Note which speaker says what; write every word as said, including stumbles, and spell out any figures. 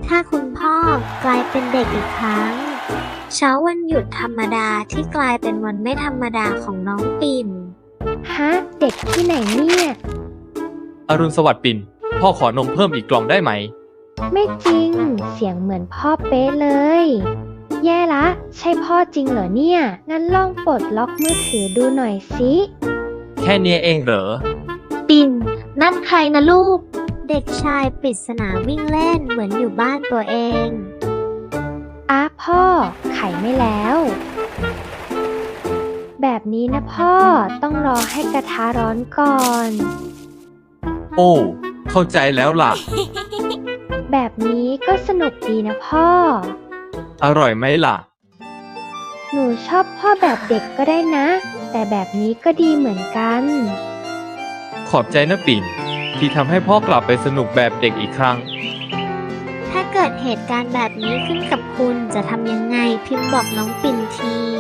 Speaker 1: ถ้าคุณพ่อกลายเป็นเด็กอีกครั้งเช้าวันหยุดธรรมดาที่กลายเป็นวันไม่ธรรมดาของน้องปิ่น
Speaker 2: ฮะเด็กที่ไหนเนี่ย
Speaker 3: อรุณสวัสดิ์ปิ่นพ่อขอนมเพิ่มอีกกล่องได้ไหม
Speaker 2: ไม่จริงเสียงเหมือนพ่อเป๊ะเลยแย่ละใช่พ่อจริงเหรอเนี่ยงั้นลองปลดล็อกมือถือดูหน่อยสิ
Speaker 3: แค่นี้เองเหรอ
Speaker 1: ปิ่นนั่นใครนะลูกเด็กชายปริศนาวิ่งเล่นเหมือนอยู่บ้านตัวเอง
Speaker 2: อ้าพ่อไขไม่แล้วแบบนี้นะพ่อต้องรอให้กระทะร้อนก่อน
Speaker 3: โอ้เข้าใจแล้วล่ะ
Speaker 2: แบบนี้ก็สนุกดีนะพ่อ
Speaker 3: อร่อยไหมล่ะ
Speaker 2: หนูชอบพ่อแบบเด็กก็ได้นะแต่แบบนี้ก็ดีเหมือนกัน
Speaker 3: ขอบใจนะปิ่นที่ทำให้พ่อกลับไปสนุกแบบเด็กอีกครั้ง
Speaker 1: ถ้าเกิดเหตุการณ์แบบนี้ขึ้นกับคุณจะทำยังไงพิมพ์บอกน้องปิ่นที